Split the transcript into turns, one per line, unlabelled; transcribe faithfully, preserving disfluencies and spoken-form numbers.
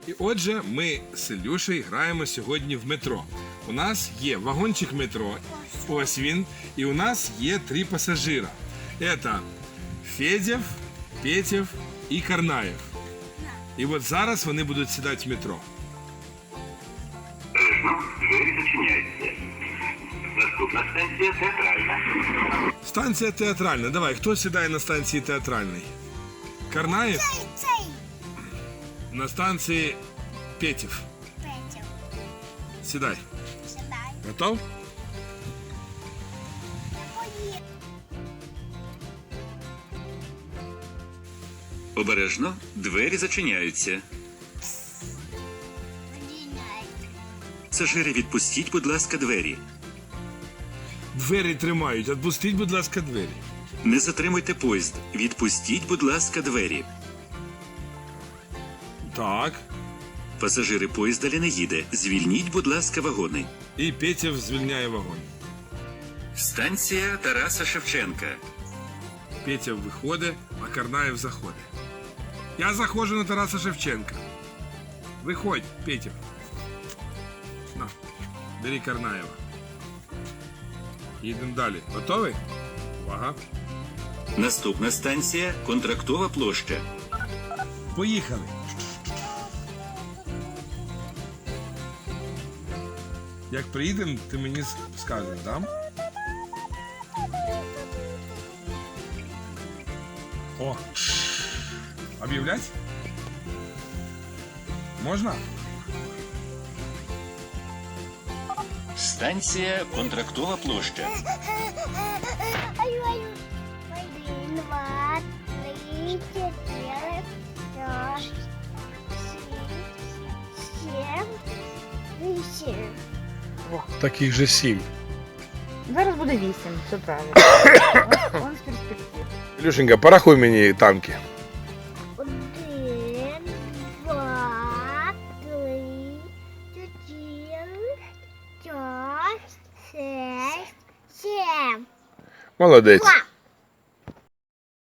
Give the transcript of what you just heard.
І отже, ми з Ілюшею граємо сьогодні в метро. У нас є вагончик метро, ось він, і у нас є три пасажира. Це Федєв, Петєв і Карнаєв. І от зараз вони будуть сідати в метро.
Двері зачиняються. Наступна станція театральна.
Станція театральна. Давай, хто сідає на станції театральній? Карнаєв?
Цей, цей.
На станції Петєв.
Петя.
Сідай.
Сідай.
Готов?
Поїхали.
Обережно, двері зачиняються. Пасажири, відпустіть, будь ласка, двері.
Двері тримають. Відпустіть, будь ласка, двері.
Не затримуйте поїзд. Відпустіть, будь ласка, двері.
Так.
Пасажири, поїзд далі не їде. Звільніть, будь ласка, вагони.
І Петєв звільняє вагон.
Станція Тараса Шевченка.
Петєв виходить, а Карнаєв заходить. Я заходжу на Тараса Шевченка. Виходь, Петєв. На, бери Карнаєва. Їдемо далі. Готовий? Увага.
Наступна станція Контрактова площа.
Поїхали. Як приїдемо, ти мені скажеш, да? О! Об'являть? Можна?
Станція Контрактова площа.
Ай-ай. Один, два, три, чотири, п'ять, шість, сім, вісім.
Таких же сім.
Зараз буде вісім, все правильно. Он з перспектив.
Ілюшенька, порахуй мені танки.
Один, два, три, чотири, п'ять, шість, сім.
Молодець.
Два.